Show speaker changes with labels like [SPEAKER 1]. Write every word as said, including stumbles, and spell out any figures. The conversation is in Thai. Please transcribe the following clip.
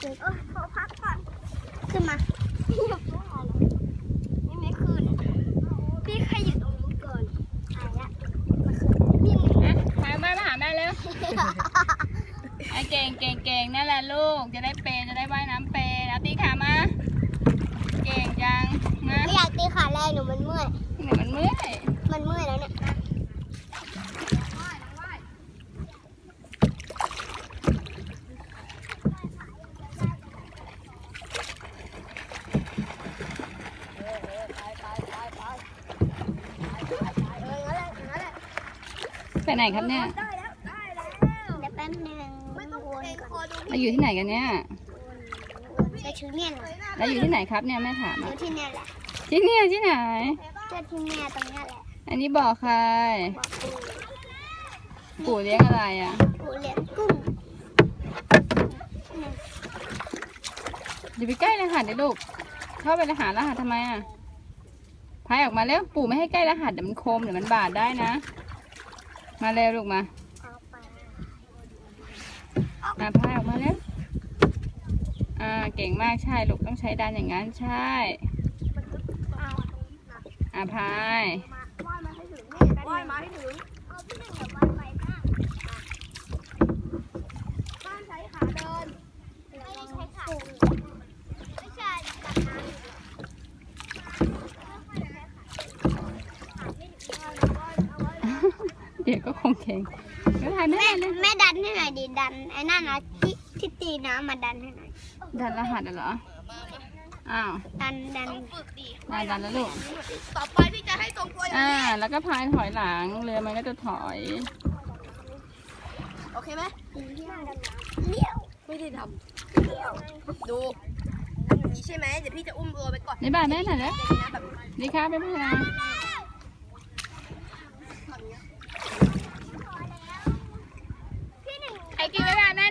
[SPEAKER 1] เออขอพักก่อนขึ้นมาพี่อย่าพูดอะไรนี่ไม่ขึ้นพี่ใครอยู่ตรงนี้ก่อนหายละมาขึ้นพี่
[SPEAKER 2] อ่ะพาแม่มาหาแม่เร็วไอ้เก่งเก่งเก่งนั่นแหละลูกจะได้เปย์จะได้ว่ายน้ำเปย์เอาตีขามาเก่งจังนะ
[SPEAKER 1] ไม่อยากตีขาแรงหนูมันเมื่อย
[SPEAKER 2] เหนื่อยมันเมื่อย
[SPEAKER 1] มันเมื่อยแล้วเนี่ย
[SPEAKER 2] ไปไหนครับเนี่ย
[SPEAKER 1] ได้แล้วได้แล้วเดี๋ยวแป๊บนึงไม่ต้องวนก่อน
[SPEAKER 2] เราอยู่ที่ไหนกันเนี่ย
[SPEAKER 1] จะชื่อเนี่ยเหรอ
[SPEAKER 2] เราอยู่ที่ไหนครับเนี่ยแม่ถาม
[SPEAKER 1] อ
[SPEAKER 2] อ่ะ
[SPEAKER 1] ยู่ที่เนี่ยแหละ
[SPEAKER 2] ที่เนี่ยที่ไหน
[SPEAKER 1] ก็ที่เนี่ยตรงเนี้ยแหละ
[SPEAKER 2] อันนี้บอกใคร
[SPEAKER 1] บอกปู่
[SPEAKER 2] ปู่เลี้ยงอะไรอ่ะ
[SPEAKER 1] ปู่เลี้ยงกุ้ง
[SPEAKER 2] อย่าไปใกล้รหัสเดี๋ยวลูกเข้าไปรหัสรหัสทำไมอ่ะพายออกมาเร็วปู่ไม่ให้ใกล้รหัสเดี๋ยวมันคมเดี๋ยวมันบาดได้นะมาเร็วลูกมา
[SPEAKER 1] เอาไป
[SPEAKER 2] อ่ะพายออกมาเร็วอ่าเก่งมากใช่ลูกต้องใช้ดันอย่างนั้นใช่อ่ะพาย
[SPEAKER 1] ว่ายมาให้ถึงนี่ว่ายมาให้ถึงเอาพี่หนึ่งอย่าว่ายไปบ้างห้ามใช้ขาเดินไม่ได้ใช้ขาไม่ใช่จับน้ำ
[SPEAKER 2] เดี๋ยวก็คงเก่งก็พายแม่
[SPEAKER 1] แม่
[SPEAKER 2] เลย
[SPEAKER 1] แม่ดันให้หน่อยดิดันไอ้นั่นนะที่ที่ตีน้ำมาดันให้หน่อย
[SPEAKER 2] ดันรหัสเหรออ้าว
[SPEAKER 1] ดันดัน
[SPEAKER 2] ได้ดันแล้วลูก
[SPEAKER 1] ต่อไปพี่จะให้ทรงตัวอย่าง
[SPEAKER 2] อ่า
[SPEAKER 1] นี้
[SPEAKER 2] แล้วก็พายถอยหลังเรือมันก็จะถอย
[SPEAKER 1] โอเคไหมเลี้ยวไม่ได้ทำเลี้ยวดูอย่างนี้ใช่ไหมเดี๋ยวพี่จะอุ้มเรือไปก่อน
[SPEAKER 2] นี่บ้านแม่หน่อยนะ
[SPEAKER 1] แบบ
[SPEAKER 2] ดีครับไม่เป็นไร
[SPEAKER 1] พี่หนึ่ง
[SPEAKER 2] ไอ้กินไม่บ้านแม่